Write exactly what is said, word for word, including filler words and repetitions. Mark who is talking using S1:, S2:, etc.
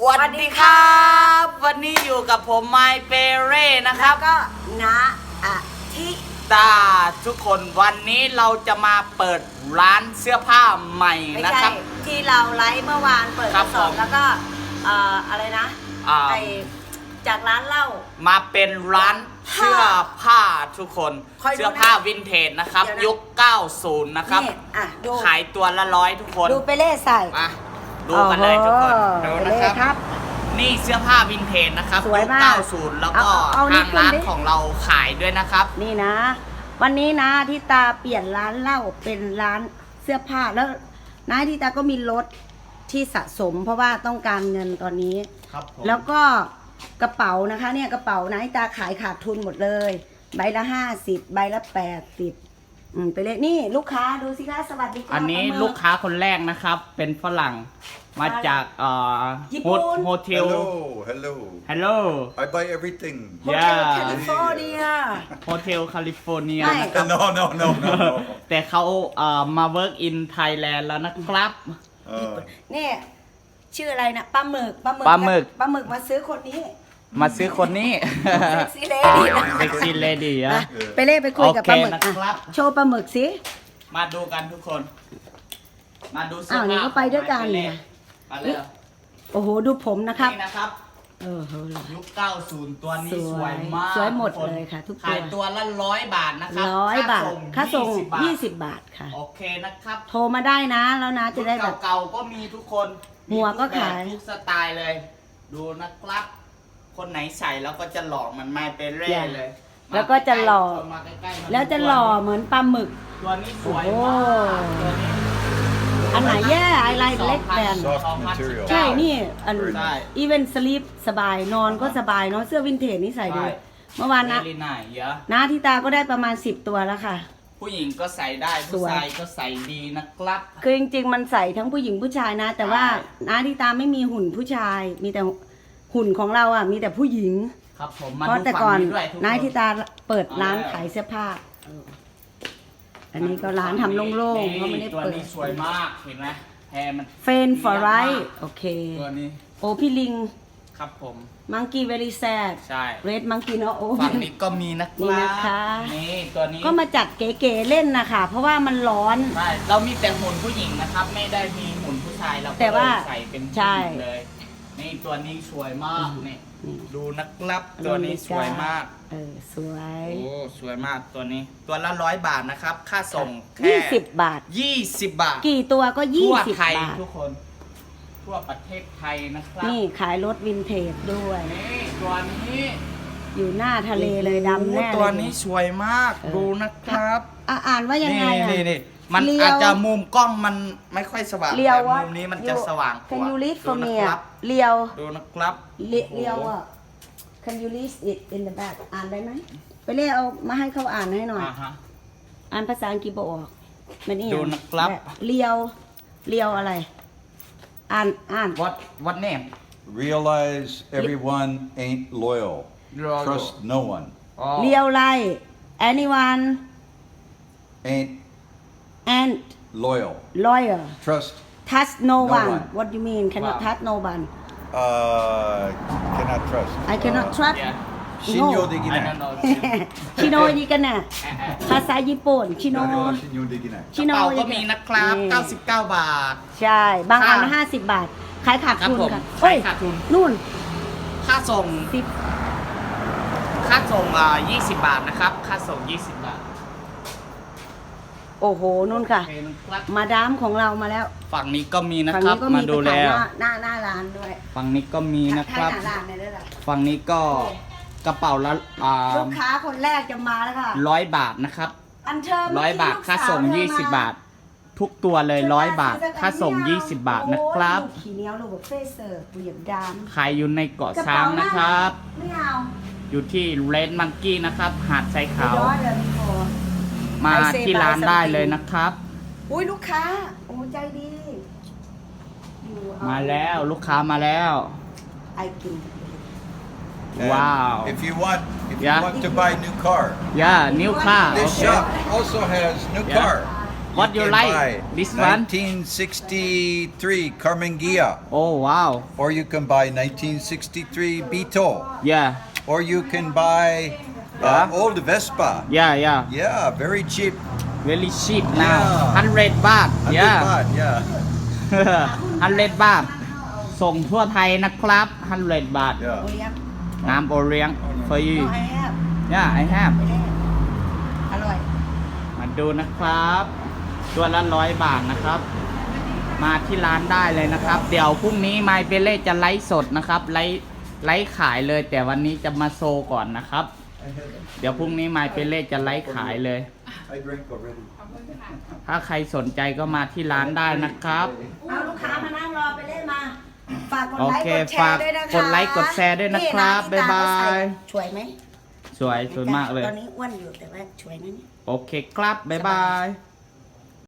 S1: วัสดีครับวันนี้อยู่กับผมไมเปเร่นะครับ
S2: ก็นะอาทิ
S1: ตาทุกคนวันนี้เราจะมาเปิดร้านเสื้อผ้าใหม่
S2: ไม่
S1: นะ
S2: ใช่
S1: ครับ
S2: ที่เราไลฟ์เมื่อวานเปิด
S1: ครั
S2: ก
S1: บ
S2: ระสอบ
S1: ผม
S2: แล้วก็เอ่ออะไรนะ
S1: อ่า
S2: ไอจากร้านเหล้า
S1: มาเป็นร้านเสื้อผ้าทุกคน
S2: คอยดูนะ
S1: เสื้อผ้าวินเทจนะครับ
S2: เดี๋ยวนะ
S1: ยุคเก้าสิบนะครับ
S2: นี่อ่ะดู
S1: ขายตัวละร้อยทุกคน
S2: ดูไปเล่ใส่
S1: มาดูกันเลยทุกคน
S2: โอ้
S1: ดู
S2: โห
S1: นะ
S2: เล่
S1: ครับ
S2: ครับ
S1: นี่เสื้อผ้าวินเทจนะครับ
S2: สวย
S1: ยุค
S2: มาก
S1: เก้าสิบแล้วก็
S2: เอาเอานี่
S1: ทางร้าน
S2: ขึ้นดิ
S1: ของเราขายด้วยนะครับ
S2: นี่นะ วันนี้นะที่ตาเปลี่ยนร้านเหล้าเป็นร้านเสื้อผ้าแล้วนะที่ตาก็มีรถที่สะสม เพราะว่าต้องการเงินตอนนี้
S1: ครับผม
S2: แล้วก็กระเป๋านะคะเนี่ยกระเป๋านะที่ตาขายขาดทุนหมดเลย ใบละห้าสิบใบละแปดสิบอืมไปเลยนี่ลูกค้าดูสิคะสวัสดีค่ะ
S1: อันนี้
S2: ปาหมึ
S1: ลูกค้าคนแรกนะครับ เป็นฝรั่งมาจากเอ่อ
S2: ญี่ปุ่น
S1: โฮเทล
S3: Hello, hello.
S1: ฮัลโหล
S3: I buy everything.
S2: โฮเทล
S1: Yeah
S2: แคลิฟอร์เนีย
S1: โฮเทลแคลิฟอร์เนีย
S2: ไม่
S1: นะครับ
S3: No, no, no, no, no.
S1: แต่เขาเอ่อมา work in Thailand แล้วนะครับ
S3: Uh,
S2: นี่ชื่ออะไรนะปลาหมึกปลาหมึก
S1: ปลาหมึก
S2: ปลาหมึกมาซื้อคนนี้
S1: มาซื้อคนนี้
S2: เซ็กซี่เลดี้นะ
S1: เซ็กซี่เลดี้อะ
S2: นะไปเล่ไปคุยกับปลาหมึก
S1: โอเคนะครับ
S2: อ่ะโชว์ปลาหมึกสิ
S1: มาดูกันทุกคน มาดูเสื้
S2: อ้าวนี่ก็ไปด้วยกัน
S1: เล
S2: เนี่ย ย
S1: มาเลย
S2: โอ้โหดูผมนะครับ
S1: นี่นะครับ
S2: เออเฮ้ย
S1: ยุคเก้าสิบตัวนี้
S2: ส
S1: ส
S2: ว
S1: วย ยมาก
S2: สวยหมด
S1: ทุกน
S2: เลยค่ะทุกตัว
S1: ขายตัวละร้อยบาทนะครับ
S2: ร้อยบาทค่าส่ง
S1: ยี่
S2: ยี่
S1: สิ
S2: สิ
S1: บ
S2: บบาทค่ะ
S1: โอเคนะครับ
S2: โทรมาได้นะแล้วนะจะได้แบบ
S1: เก่าๆก็มีทุกคน
S2: หมวกก็ขาย
S1: ทุกสไตล์เลย ดูนะครับ คนไหนใส่แล้วก็จะหล่อมันไม่เป็นเร่เลย
S2: แล้วก็จะหล่อ
S1: มาใกล้ๆมา
S2: แล้วจะหล่อเหมือนปลาหมึก
S1: ตัวนี้สวย
S2: โอ้
S1: มากตัวนี้
S2: อันไหนแย่ไอไลน์เล็กแบน
S3: Soft material
S2: ใช่นี่อัน
S3: Very
S1: ใช่
S2: อีเวนสลีปสบายนอนก็สบายเนาะเสื้อวินเทจนี่ใส่ดูเมื่อวานนะ
S1: เวลีน่าเยอะ
S2: น้าที่ตาก็ได้ประมาณสิบตัวแล้วค่ะ
S1: ผู้หญิงก็ใส่ได้
S2: ส
S1: ผู้
S2: วย
S1: ชายก็ใส่ดีนะครับ
S2: คือจริงๆมันใส่ทั้งผู้หญิงผู้ชายนะ แต่ว่า
S1: ใช่
S2: น้าที่ตาไม่มีหุ่นผู้ชาย มีแต่หุ่นของเราอ่ะมีแต่ผู้หญิง
S1: ครับผมมา
S2: เพราะ
S1: ดู
S2: แต่
S1: ฝั่
S2: ก่อง น
S1: นี้ด้วยทุกคน
S2: น้าที่ตาเปิดร้าน
S1: เอาแล้ว
S2: ขายเสื้อผ้าเอออันนี้ก็ร้านทำโล่งๆเพราะไม่ได้
S1: ตัว
S2: เปิด
S1: นี้สวยมากเห็นไหมแพรมัน
S2: เฟนฟอร์ไรโอเค
S1: ตัวนี้
S2: โอพี่ลิง
S1: ครับผม
S2: มังกี้เวลี่แซด
S1: ใช่
S2: เรดมังกี้เนาะโอ้
S1: ฝั่งนี้ก็มีนะค
S2: นี่
S1: รับ
S2: นะคะ
S1: นี่ตัวนี้
S2: ก็มาจัดเก๋ๆเล่นนะคะเพราะว่ามันร้อน
S1: ใช่เรามีแต่หุ่นผู้หญิงนะครับ ไม่ได้มีหุ่นผู้ชายเราก็
S2: แต่ว่า
S1: ใส่เป็นผู้
S2: ใช่
S1: หญิงเลย นี่ตัวนี้สวยมากนี่
S2: นี่
S1: ดูนะครับตัวนี้สวยมาก
S2: เออสวย
S1: โอ้สวยมากตัวนี้ ตัวละร้อยบาทนะครับ ค่าส่งแค่
S2: ยี่สิบบาท
S1: ยี่สิบบาท
S2: กี่ตัวก็ยี่
S1: ทั่ว
S2: สิบ
S1: ไทย
S2: บาท
S1: ทุกคน ทั่วประเทศไทยนะครับ
S2: นี่ขายรถวินเทจด้วย
S1: นี่ตัวนี้
S2: อยู่หน้าทะเลเลยดำแน่
S1: โอ้
S2: เลย
S1: ตัวนี้สวยมาก
S2: เออ
S1: ดูนะครับ
S2: อ่ะอ่านว่ายังไงอ่ะ
S1: นี่นี่มัน
S2: เลียว
S1: อาจจะมุมกล้องมันไม่ค่อยสว่าง
S2: เลียว
S1: แต่
S2: ว่า
S1: มุมนี้มันจะสว่างก
S2: Can
S1: ว่า
S2: you read
S1: ดู
S2: for
S1: นะ
S2: me
S1: ครั
S2: อ่ะ
S1: บ
S2: เลียว
S1: ดูนะครับ
S2: เลีเลียวอ่ะ Can you read it in the back อ่านได้ไหมไปเรียกเอามาให้เขาอ่านให้หน่อย
S1: อ่าฮะ
S2: อ่านภาษาอังกฤษบอกออกมันนี่
S1: ดูนะครับ
S2: เลียวเลียวอะไร อ่านอ่าน
S1: what what name
S3: realize everyone ain't loyal.
S1: Loyal.
S3: Trust no one.
S1: อ๋อ
S2: เลียวไร anyone
S3: Ain't
S2: and
S3: loyal.
S2: lawyer
S3: Trust.
S2: touch no
S3: No
S2: one
S3: one.
S2: what you mean cannot
S1: Wow.
S2: touch no one
S3: Uh, cannot trust.
S2: I cannot
S3: Uh,
S2: trust
S1: yeah
S3: Shinyo
S1: I
S3: degina.
S1: don't know
S2: ชิโนยิกันน่ะภาษาญี่ปุ่นชิโน
S3: Shinyo degina.
S2: ชิ
S1: ก
S2: โน
S1: ระเป๋าก็มีนะครับ เก้าสิบเก้า บาท
S2: ใช่ บางอัน
S1: ค่ะ
S2: ห้าสิบบาท ขายขาดทุน
S1: ครับผม
S2: ค่ะ
S1: ขายขาดทุน
S2: นู่น
S1: ค่าส่ง
S2: สิบ
S1: ค่าส่งอ่ายี่สิบบาทนะครับ ค่าส่งยี่สิบบาท
S2: โอ้โหนู่นค่ะ
S1: โอเคนะครับ
S2: มาดามของเรามาแล้ว
S1: ฝั่งนี้ก็มีนะ
S2: ฝั่ง
S1: ครับ
S2: นี้ก็
S1: มา
S2: มี
S1: ดู
S2: ไปขาย
S1: แล้ว
S2: หน้าหน้าหน้าร้านด้วย
S1: ฝั่งนี้ก็มีนะครับ
S2: ขายหน้าร้านเนี่ยด้วยล่ะ
S1: ฝั่งนี้ก็กระเป๋าละอ่า
S2: ลูกค้าคนแรกจะมาแล้วค่ะ
S1: ร้อยบาทนะครับ
S2: อันเธอ
S1: ร้อยบาทค่าส่งยี่สิบบาท ทุกตัวเลยร้อยบาท ค่าส่งยี่สิบบาทนะครับ
S2: โอ้ยขี่เหนียวลูกเฟเซอร์เปลี่ยนดาม
S1: ขายอยู่ในเกาะช้างนะครับ
S2: ไม่เอา
S1: อยู่ที่เรดมังกี้นะครับ หาดทรายขาว
S2: ย้อยเลยพี่โฟ
S1: มาที่ร้านได้เลยนะครับ
S2: อุ้ยลูกค้า โอ้ใจดีอยู่เอ
S1: มาแล้วลูกค้ามาแล้ว
S2: ไอกิน
S3: And
S1: Wow.
S3: If you want, if
S1: Yeah.
S3: you want to buy new car,
S1: ย่านิ้วค่า
S3: this shop also has new
S1: Yeah.
S3: car.
S1: What you
S3: can
S1: like?
S3: buy
S1: This one?
S3: nineteen sixty-three Carmen Ghia,
S1: Oh wow.
S3: or you can buy nineteen sixty-three Beetle,
S1: Yeah.
S3: or you can buy uh,
S1: Yeah.
S3: old Vespa.
S1: Yeah yeah.
S3: Yeah, very cheap.
S1: Very cheap now.
S3: Yeah.
S1: hundred บาท
S3: one hundred
S1: Yeah.
S3: baht, yeah.
S1: hundred บาท ส่งทั่วไทยนะครับ hundred บาท
S2: โอ
S3: Yeah.
S2: เลี้ยง
S1: น้ำโอเลี้ยง for you
S2: น้อยแอบ
S1: Yeah I have
S2: ไม่ได้อร่อย
S1: มาดูนะครับ ตัวละร้อยบาทนะครับ มาที่ร้านได้เลยนะครับ เดี๋ยวพรุ่งนี้ไมเปเล่จะไลฟ์สดนะครับไลฟ์ไลฟ์ขายเลย แต่วันนี้จะมาโซก่อนนะครับ เดี๋ยวพรุ่งนี้ไมเปเล่จะไลฟ์ขายเลย
S3: I drank already.
S1: ถ้าใครสนใจก็มาที่ร้านได้นะครับ
S2: เอาลูกค้ามานั่งรอไปเล่นมา ฝากกด
S1: โอ
S2: ไลค์
S1: เค
S2: กดแช
S1: ฝาก
S2: ร์ด้วยนะคะ
S1: กดไลค์กดแชร์ด้วยนะครับ
S2: นี่
S1: บ๊ายบาย
S2: ที่ตเขใส่สวยไหม
S1: สวยสวยมากเลย
S2: ตอนนี้อ้วนอยู่แต่ว่าสวยนะเนี่ย
S1: โอเคครับ บ๊ายบาย